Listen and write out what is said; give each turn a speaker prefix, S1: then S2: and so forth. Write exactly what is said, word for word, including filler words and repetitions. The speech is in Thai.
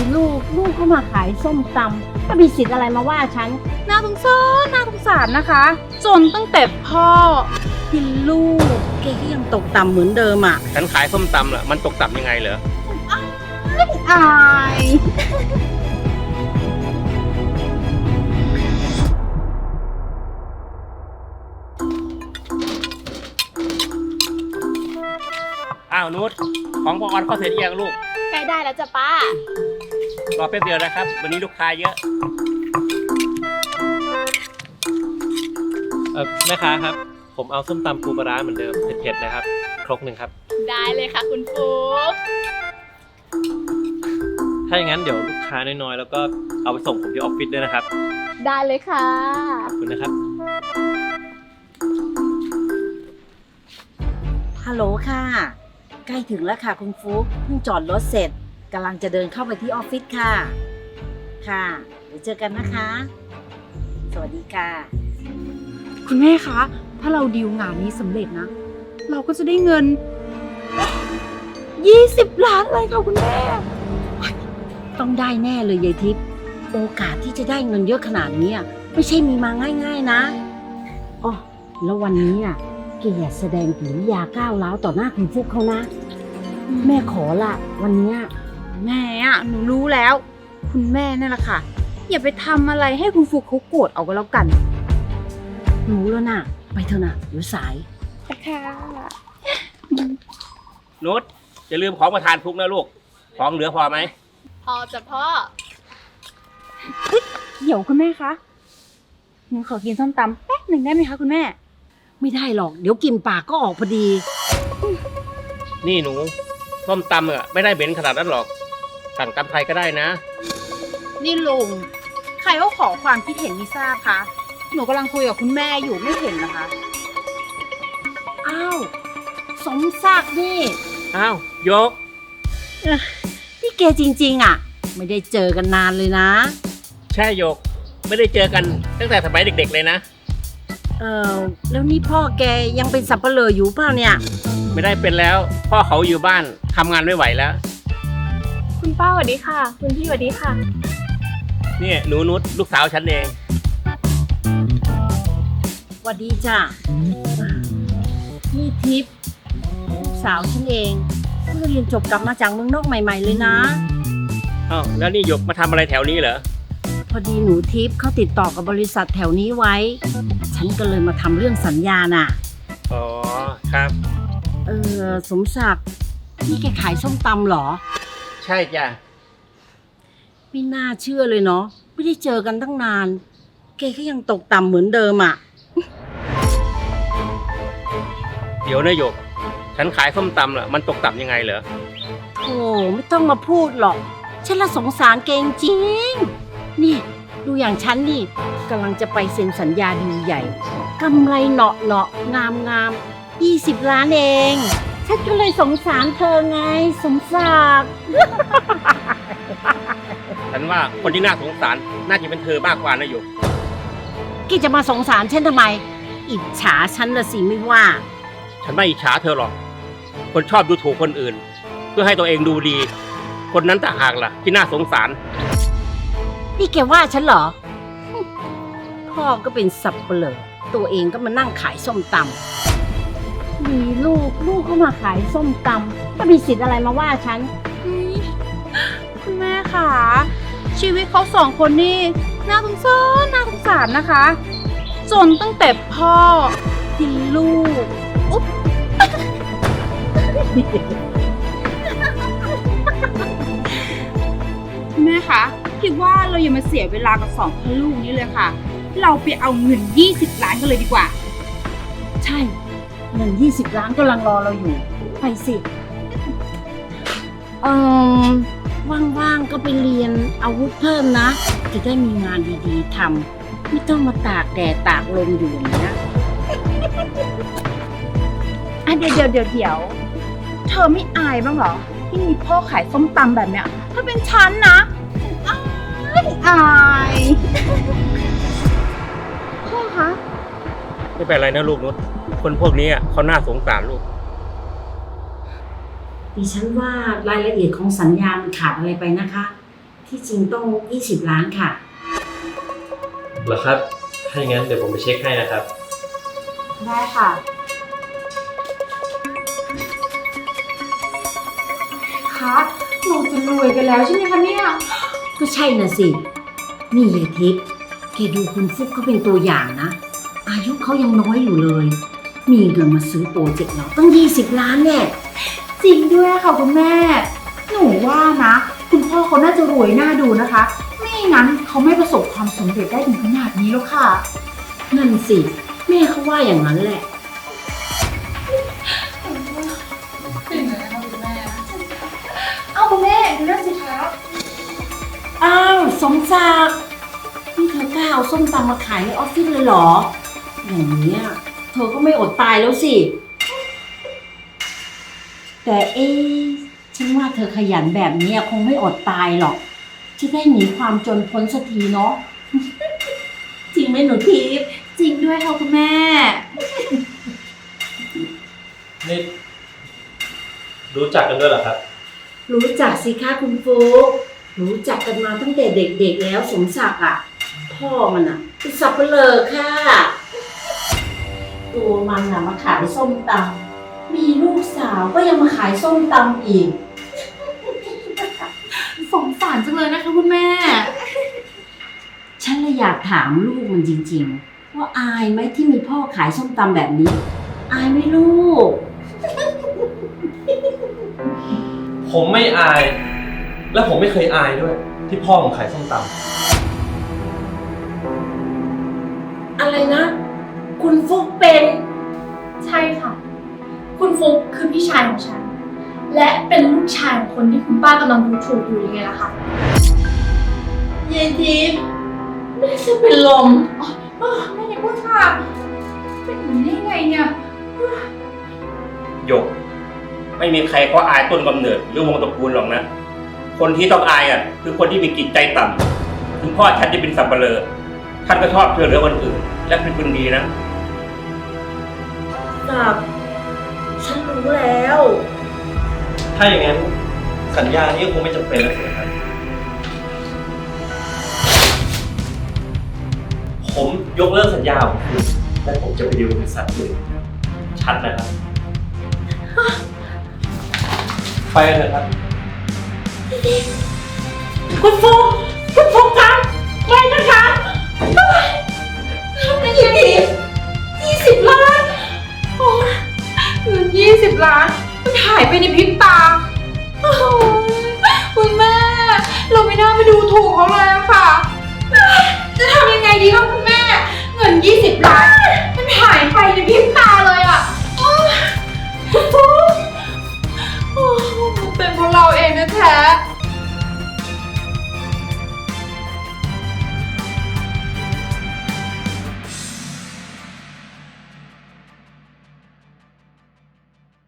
S1: ลูกลูกก็มาขายส้มตำก็มีสิทธิ์อะไรมาว่าฉันน่าสงสารน่าสงสารนะคะจนตั้งแต่พ่อที่ลูกแกก็ยังตกต่ำเหมือนเดิมอ่ะ
S2: ฉันขายส้มตำล่ะมันตกต่ำยังไงเหรอ
S1: อาย
S2: อ้าวนุชของพอออนเข้าเสร็จยังลูก
S3: ใกล้ได้แล้วจ้ะป้าร
S2: อแป๊บเดียวนะครับวันนี้ลูกค้าเยอะเออแม่ค้าครับผมเอาส้มตำปูปลาร้าเหมือนเดิมเผ็ดๆนะครับครกหนึ่งครับ
S3: ได้เลยค่ะคุณฟุ๊ก
S4: ถ้าอย่างนั้นเดี๋ยวลูกค้าน้อยๆแล้วก็เอาไปส่งผมที่ออฟฟิศด้วยนะครับ
S3: ได้เลยค่ะ
S4: ขอบคุณนะครับ
S1: ฮัลโหลค่ะใกล้ถึงแล้วค่ะคุณฟุ๊กเพิ่งจอดรถเสร็จกำลังจะเดินเข้าไปที่ออฟฟิศค่ะค่ะเดี๋ยวเจอกันนะคะ สวัสดีค่ะ
S5: คุณแม่คะ ถ้าเราดีลงานนี้สำเร็จนะ เราก็จะได้เงินยี่สิบล้านเลยค่ะคุณแม่
S1: ต้องได้แน่เลยยายทิพย์โอกาสที่จะได้เงินเยอะขนาดนี้ไม่ใช่มีมาง่ายๆนะอ๋อแล้ววันนี้อ่ะแกอย่าแสดงกิริยาก้าวร้าวต่อหน้าคุณฟุกเขานะ แม่ขอละวันนี้
S5: แม่อะหนูรู้แล้ว คุณแม่นั่นแหละค่ะ อย่าไปทำอะไรให้คุณฟุกเขาโกรธเอาก็แล้วกัน
S1: รู้แล้วนะไปเถอะนะเดี๋ยวสาย
S5: ค่ะ
S2: นุชอย่าลืมของประทานฟุกนะลูกของเหลือพอไหม
S3: พอจ้ะพ่อ
S5: เดี๋ยวคุณแม่คะหนูขอกินส้มตำแป๊บหนึ่งได้ไหมคะคุณแม่
S1: ไม่ได้หรอกเดี๋ยวกินปากก็ออกพอดี
S2: นี่หนูส้มตำอ่ะไม่ได้เหม็นขนาดนั้นหรอกสั่งตำไทยก็ได้นะ
S5: นี่ลุงใครเขาขอความคิดเห็นไม่ทราบคะหนูกำลังคุยกับคุณแม่อยู่ไม่เห็นนะคะ
S1: อ้าวสมศักดิ์นี่
S2: อ้าวยก
S1: นี่แกจริงๆอ่ะ ไม่ได้เจอกันนานเลยนะ
S2: ใช่โยกไม่ได้เจอกันตั้งแต่สมัยเด็กๆเลยนะ
S1: เออแล้วนี่พ่อแกยังเป็นสับเปลืออยู่เปล่าเนี่ย
S2: ไม่ได้เป็นแล้วพ่อเขาอยู่บ้านทำงานไม่ไหวแล้ว
S3: คุณป้าสวัสดีค่ะ คุณพี่สวัสดีค่ะ
S2: นี่หนูนุชลูกสาวฉันเอง
S1: สวัสดีจ้ะนี่ทิพย์ลูกสาวฉันเองเพิ่งเรียนจบกลับมาจากเมืองนอกใหม่ ๆเลยนะ
S2: อ้าวแล้วนี่หยกมาทำอะไรแถวนี้เหรอ
S1: พอดีหนูทิพย์เขาติดต่อกับบริษัทแถวนี้ไว้ ฉันก็เลยมาทำเรื่องสัญญาน่ะ
S2: อ๋อครับ
S1: เออสมศักดิ์นี่แกขายส้มตำเหรอ
S2: ใช่จ้ะ
S1: ไม่น่าเชื่อเลยเนาะไม่ได้เจอกันตั้งนาน แกก็ยังตกต่ำเหมือนเดิมอ่ะ
S2: เดี๋ยวนะหยก ฉันขายส้มตำล่ะมันตกต่ำยังไงเหรอ
S1: โอ้ไม่ต้องมาพูดหรอก ฉันละสงสารแกจริงๆนี่ดูอย่างฉันนี่กำลังจะไปเซ็นสัญญาดีใหญ่กำไรเหนาะเนาะงามงามยี่สิบล้านเอง ฉันก็เลยสงสารเธอไงสมศักดิ์
S2: ฉันว่าคนที่น่าสงสารน่าจะเป็นเธอมากกว่านะหยก
S1: แกจะมาสงสารฉันทำไม อิจฉาฉันละสิไม่ว่า
S2: ฉันไม่อิจฉาเธอหรอก คนชอบดูถูกคนอื่น เพื่อให้ตัวเองดูดี คนนั้นต่างหากล่ะที่น่าสงสาร
S1: นี่แกว่าฉันเหรอ พ่อก็เป็นสับเปลือตัวเองก็มานั่งขายส้มตำมีลูกลูกก็มาขายส้มตำก็มีสิทธิ์อะไรมาว่าฉัน
S5: คุณแม่ค่ะชีวิตเขาสองคนนี่น่าสงสารน่าสงสารนะคะ จนตั้งแต่พ่อที่ลูกอุ๊บ คุณแม่คะคิดว่าเราอย่ามาเสียเวลากับสองพ่อลูกนี้เลยค่ะ เราไปเอาเงินยี่สิบล้านกันเลยดีกว่า
S1: ใช่เงินยี่สิบล้านกำลังรอเราอยู่ ไปสิเออว่างๆก็ไปเรียนอาวุธเพิ่มนะ จะได้มีงานดีๆทำไม่ต้องมาตากแดดตากลมอยู่อย่างนี้นะ
S5: อ่ะเดี๋ยวเดี๋ยวเดี๋ยวเดี๋ยวเธอไม่อายบ้างเหรอ ที่มีพ่อขายส้มตำแบบเนี้ย ถ้าเป็นฉันนะอายอายพ่อคะ
S2: ไม่เป็นไรนะลูกนุชคนพวกนี้อะเขาน่าสงสารลูก
S1: ดิฉันว่ารายละเอียดของสัญญามันขาดอะไรไปนะคะ ทที่จริงต้องยี่สิบล้านค่ะ
S4: เหรอครับ ถ้าอย่างนั้นเดี๋ยวผมไปเช็คให้นะครับ
S5: ได้ค่ะ คะหนูจะรวยกันแล้วใช่ไหมคะเนี่ย
S1: ก็ใช่น่ะสิ นี่ยายทิพย์แกดูคุณฟุกเขาเป็นตัวอย่างนะ อายุเขายังน้อยอยู่เลย มีเงินมาซื้อโปรเจกต์เราตั้งยี่สิบล้านแน่
S5: จริงด้วยค่ะคุณแม่ หนูว่านะ คุณพ่อเขาน่าจะรวยน่าดูนะคะ ไม่งั้นเขาไม่ประสบความสำเร็จได้ถึงขนาดนี้แล้วค่ะ
S1: นั่นสิ แม่เขาว่าอย่างนั้นแหละ
S5: เอาคุณแม่ดูนั่นสิคะ
S1: อ้าวสมศักดิ์นี่เธอกล้าเอาส้มตำมาขายในออฟฟิศเลยเหรอ อย่างนี้ยเธอก็ไม่อดตายแล้วสิ แต่เอ๊ะฉันว่าเธอขยันแบบนี้คงไม่อดตายหรอก จะได้หนีความจนพ้นสักทีเนาะ จริงไหมหนูทิพย์
S5: จริงด้วยค่ะคุณแม่
S4: นี่รู้จักกันด้วยเหรอครับ
S1: รู้จักสิคะคุณฟุกรู้จักกันมาตั้งแต่เด็กๆแล้วสมศักดิ์อ่ะ พ่อมันอ่ะเป็นสับเปลือค่ะ ตัวมันอ่ะมาขายส้มตำมีลูกสาวก็ยังมาขายส้มตำอีก
S5: สงสารจังเลยนะคะคุณแม่
S1: ฉันเลยอยากถามลูกมันจริงๆ ว่าอายไหมที่มีพ่อขายส้มตำแบบนี้ อายไหมลูก
S4: ผมไม่อาย และผมไม่เคยอายด้วย ที่พ่อผมขายส้มต
S1: อะไรนะ คุณฟุกเป็น
S3: ใช่ค่ะ คุณฟุกคือพี่ชายของฉัน และเป็นลูกชายของคนที่คุณป้ากำลังดูถูกอยู่ยังไงล่ะคะ
S1: เย็นทิพย์แม่จะเป็นลม
S5: เออแม่อย่าพูดค่ะ เป็นอย่างนี้ได้ไงเนี่ย
S2: ๆหยก ไม่มีใครก็อายต้นกำเนิดหรือวงตระกูลหรอกนะ คนที่ต้องอายอ่ะคือคนที่มีจิตใจต่ำถึงพ่อฉันจะเป็นสับเปลือท่านก็ชอบช่วยเหลือคนอื่น และเป็นคนดีนะ
S1: กับฉันรู้แล้ว
S4: ำถ้าอย่างนั้นสัญญานี้ก็คงไม่จำเป็นแล้วสิครับ ผมยกเลิกสัญญาของคุณและผมจะไปดีลบริษัทอื่นชัดนะครับ ไปกันเถอะครับ
S1: คุณฟุกคุณฟุกคะไม่นะคะไม่ยินดียี่สิบล้าน
S5: โอ้ยเงินยี่สิบล้านมันหายไปในพริบตาโอ้ยคุณแม่ เราไม่น่าไปดูถูกเขาเลยอะค่ะ จะทำยังไงดีคะคุณแม่ เงินยี่สิบล้านมันหายไปในพริบตาเลยอะโอ้ยคุณฟุ๊กโอ้ยมันเป็นเพราะเราเองนะแท้